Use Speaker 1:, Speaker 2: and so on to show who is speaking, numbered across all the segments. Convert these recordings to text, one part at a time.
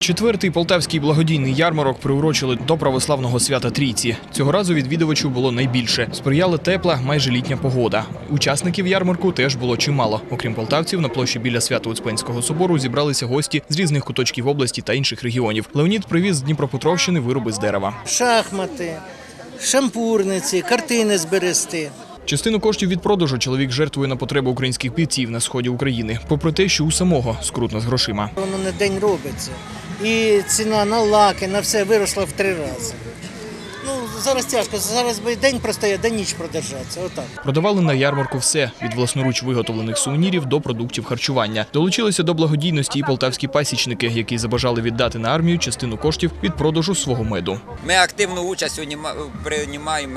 Speaker 1: Четвертий полтавський благодійний ярмарок приурочили до православного свята Трійці. Цього разу відвідувачів було найбільше. Сприяла тепла, майже літня погода. Учасників ярмарку теж було чимало. Окрім полтавців, на площі біля Свято-Успенського собору зібралися гості з різних куточків області та інших регіонів. Леонід привіз з Дніпропетровщини вироби з дерева.
Speaker 2: Шахмати, шампурниці, картини з берести.
Speaker 1: Частину коштів від продажу чоловік жертвує на потреби українських бійців на сході України. Попри те, що у самого скрутно з грошима.
Speaker 2: Воно на день робиться. І ціна на лаки, на все виросла в 3 рази. Зараз тяжко, зараз би день простояти, день ніч продержатися. Отак.
Speaker 1: Продавали на ярмарку все – від власноруч виготовлених сувенірів до продуктів харчування. Долучилися до благодійності і полтавські пасічники, які забажали віддати на армію частину коштів від продажу свого меду.
Speaker 3: Ми активну участь приймаємо,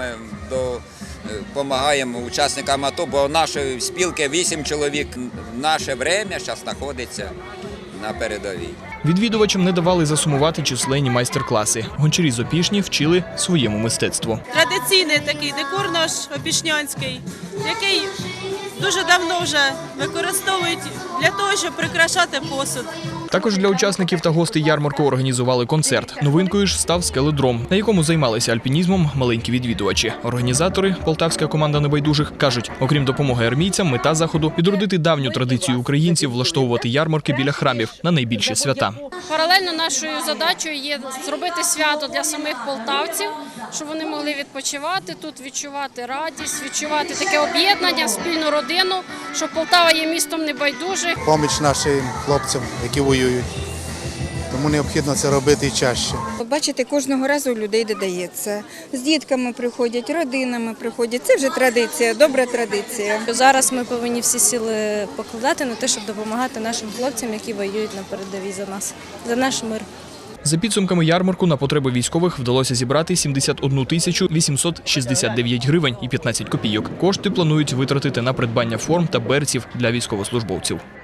Speaker 3: допомагаємо учасникам АТО, бо нашої спілки 8 чоловік. Наше время зараз знаходиться на передовій.
Speaker 1: Відвідувачам не давали засумувати численні майстер-класи. Гончарі з Опішні вчили своєму мистецтву.
Speaker 4: Традиційний такий декор наш опішнянський, який дуже давно вже використовують для того, щоб прикрашати посуд.
Speaker 1: Також для учасників та гостей ярмарку організували концерт. Новинкою ж став скеледром, на якому займалися альпінізмом маленькі відвідувачі. Організатори, полтавська команда небайдужих, кажуть, окрім допомоги армійцям, мета заходу – відродити давню традицію українців влаштовувати ярмарки біля храмів на найбільші свята.
Speaker 5: Паралельно нашою задачею є зробити свято для самих полтавців, щоб вони могли відпочивати тут, відчувати радість, відчувати таке об'єднання, спільну родину, що Полтава є містом небайдужих.
Speaker 6: Поміч нашим хлопцям, які воюють. Тому необхідно це робити і чаще.
Speaker 7: Бачите, кожного разу у людей додається. З дітками приходять, родинами приходять. Це вже традиція, добра традиція.
Speaker 8: Зараз ми повинні всі сили покладати на те, щоб допомагати нашим хлопцям, які воюють на передовій за нас, за наш мир.
Speaker 1: За підсумками ярмарку на потреби військових вдалося зібрати 71 тисячу 869 гривень і 15 копійок. Кошти планують витратити на придбання форм та берців для військовослужбовців.